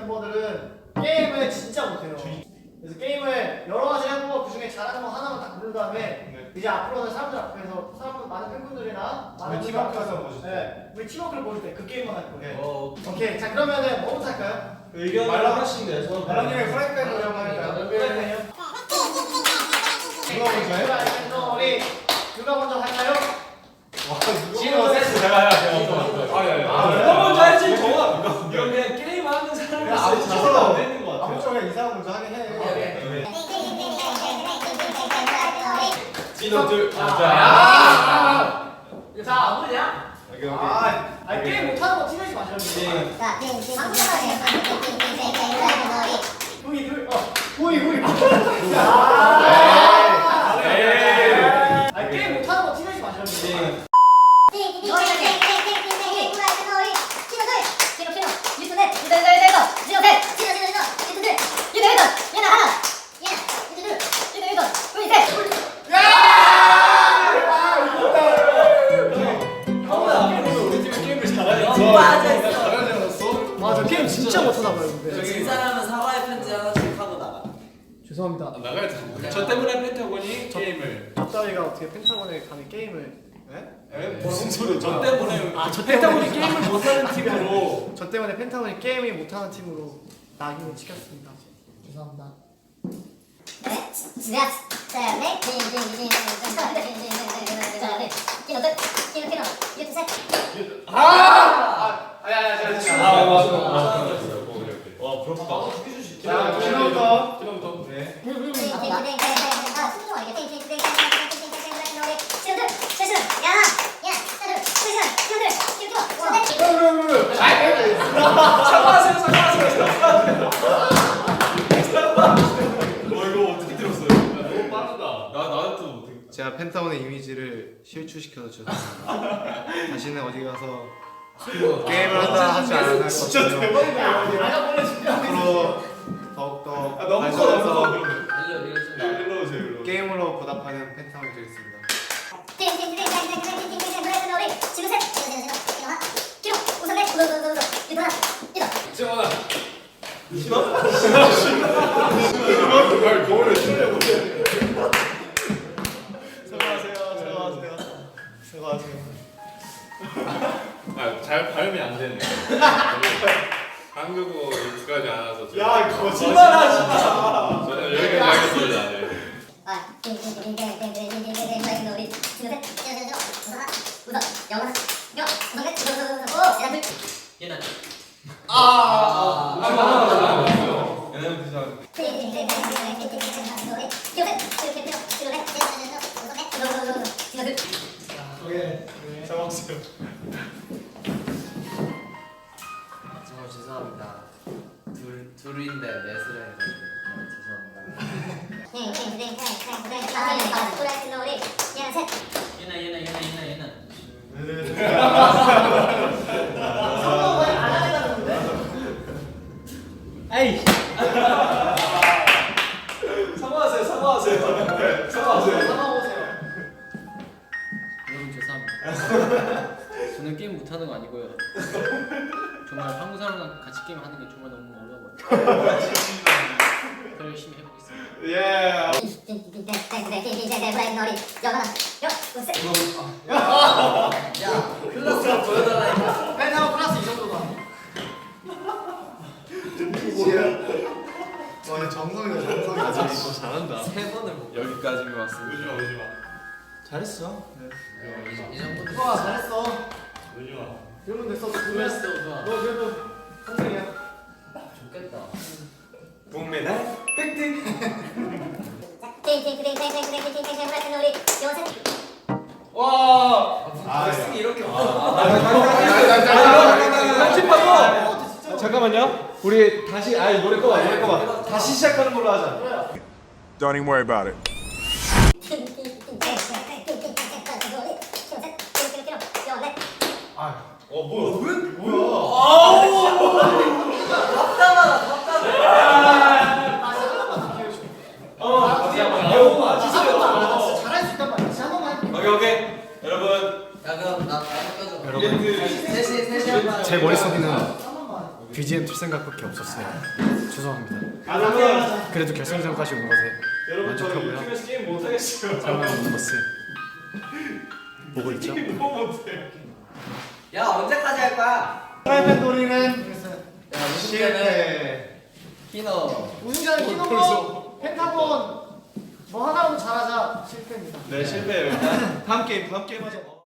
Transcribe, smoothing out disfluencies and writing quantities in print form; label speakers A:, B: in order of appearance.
A: 멤버들은 게임을 진짜 못해요. 그래서 게임을 여러 가지 해보고 그 중에 잘하는 거 하나만 딱 고른 다음에 이제 앞으로는 사람들 앞에서 많은 팬분들이나 많은
B: 팀 앞에서 보실 때.
A: 네, 우리 팀워크를 보실 때 그 게임만 할 거예요.
C: 오케이.
A: 오케이. 자 그러면은 뭐부터 할까요?
C: 의견을 하나씩 내서
B: 말랑님의 프라이팬 노래 한번 할까요?
A: 프라이팬이요?
B: 누가 먼저 해?
A: 프라이팬 우리 누가 먼저 할까요?
B: 지금 세트 제가 해야 돼요.
C: 누가 먼저 할지 정하. 이건 그냥 게임 하는 사람이
B: 서로
C: 안 되는 것 같아요.
B: 아무 쪽에 이상한 먼저 하게 해.
C: 진호 둘.
A: 자 아무냐? 게임 못하는 거 티내지 마시라고. 후이. 게임 못하는 거 티내지 마시라고. 저 게임 진짜 못하나 봐요. 근데.
D: 진 사람은 사과의 편지 하나씩 하고 나가.
A: 죄송합니다.
C: 나가야 돼. 저 때문에 펜타곤이 게임을.
A: 저따위가 어떻게 펜타곤에 감히 게임을?
C: 무슨 소리? 저 때문에.
A: 저
C: 펜타곤이 게임을 못하는 팀으로.
A: 저 때문에 펜타곤이 게임이 못하는 팀으로 낙인을 찍혔습니다. 죄송합니다.
C: 와 부럽다.
B: 자, 지금부터. 네.
C: 이거 어떻게 들었어요? 너무 빠르다. 나는 또 못해.
E: 제가 펜타곤의 이미지를 실추시켜서 죄송합니다. 다시는 어디 가서 게임을 한다 하지 않을 것이며
B: 진짜 대박이다.
E: 앞으로 더욱더
B: 너무 커, 너무 커.
C: 일로 오세요. 일로.
E: 게임으로 보답하는 펜타곤이 되겠습니다.
C: 지원아.
B: 거울을 치려고.
E: 수고하세요.
C: 잘 발음이 안 되네. 한국어 익숙하지 않아서.
B: 야, 거짓말하지 마.
C: 저는 여기까지 하겠습니다. 네.
D: 얘는
C: 얘는 비슷한.
B: 잡았어요.
D: 정말 죄송합니다. 둘인데 넷을 해가지고 얘는
A: 에이.
C: 사과하세요. 사과하세요.
D: 여러분 죄송합니다. 저는 게임 못하는 거 아니고요. 정말 한국 사람과 같이 게임 하는 게 정말 너무 어려워요. 더 열심히 해보겠습니다.
B: 예.
D: 야 클래스가 보여달라니까.
A: 펜타곤 플러스 이 정도다.
E: 와 정성이다 정성이.
C: 잘한다.
D: 세 번을 못.
C: 여기까지만 왔습니다. 오지 마.
E: 잘했어.
D: 이 정도도.
A: 와 잘했어.
C: 오지 마.
A: 이러면 됐어.
D: 좋았어 좋아.
A: 너 그래도 한승이야.
D: 좋겠다.
C: 동메달 획득.
D: 와.
B: 아,
D: 승이 이렇게
B: 편집하고. 잠깐만요. 우리 다시 노래 꺼봐. 다시 시작하는 걸로 하자.
F: Don't even worry about it.
A: 잘할 수 있단 말이야. 진짜 한 번만 할게.
C: 오케이. 여러분.
D: 야 그럼 나 껴줘.
E: 여러분
D: 셋이 한번.
E: 제 머릿속에는
A: 한 번만.
E: BGM 틀 생각밖에 없었어요. 죄송합니다.
A: 그러면
E: 그래도 결승전까지 온 것에
B: 여러분 저
E: 만족하고요.
B: 유튜브에서 게임 못 하겠어요.
E: 사랑하는 것을 보고 있죠.
B: 너무 못해.
G: 야 언제까지 할 거야?
A: 프라이팬 놀이는
G: 실패. 키노.
A: 우승자는 키노고 펜타곤 뭐 하나라도 잘하자 실패입니다.
B: 네 실패예요. 다음 게임 하자.